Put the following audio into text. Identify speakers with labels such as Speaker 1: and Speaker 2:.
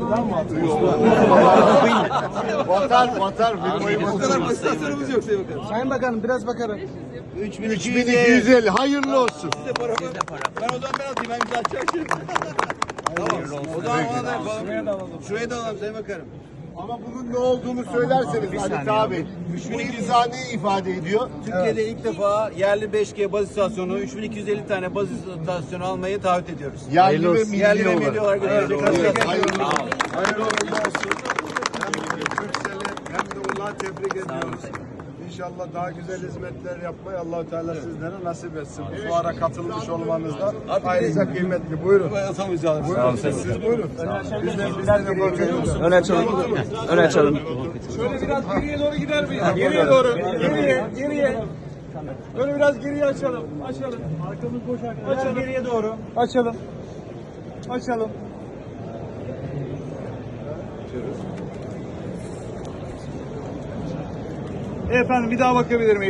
Speaker 1: Batar.
Speaker 2: O kadar basit istasyonumuz yok Sayın Bakanım.
Speaker 3: Sayın Bakanım biraz bakarım.
Speaker 1: 3250 hayırlı olsun.
Speaker 2: Size para var. Ben o zaman ben atayım. Ben imza atacağım şimdi. Tamam. O zaman ona da yapalım. Şuraya da alalım Sayın Bakanım.
Speaker 1: Ama bunun ne olduğunu söylerseniz Halit abi. Bu imza ne ifade ediyor?
Speaker 2: Türkiye'de ilk defa yerli 5G baz istasyonu, 3250 tane baz istasyonu almayı taahhüt ediyoruz.
Speaker 1: Yerli ve
Speaker 2: Yerli ve
Speaker 1: milli
Speaker 2: milli
Speaker 1: olarak.
Speaker 2: olarak götürecek.
Speaker 1: Hayırlı olsun.
Speaker 4: Hayırlı olsun. Hem Türkcell'i hem de Ulaş'ı tebrik ediyoruz. İnşallah daha güzel hizmetler yapmayı Allah-u Teala sizlere nasip etsin. Bu ara katılmış olmanız da ayrıca kıymetli. Buyurun. Buyurun. Siz buyurun. Bizden bakıyoruz.
Speaker 3: Öne açalım. Öne açalım.
Speaker 5: Şöyle biraz geriye doğru gider miyiz? Geriye doğru. Geriye. Böyle biraz geriye açalım. Arkamız boş arkadaşlar. Açalım. Geriye doğru. Açalım. Efendim bir daha bakabilir miyim?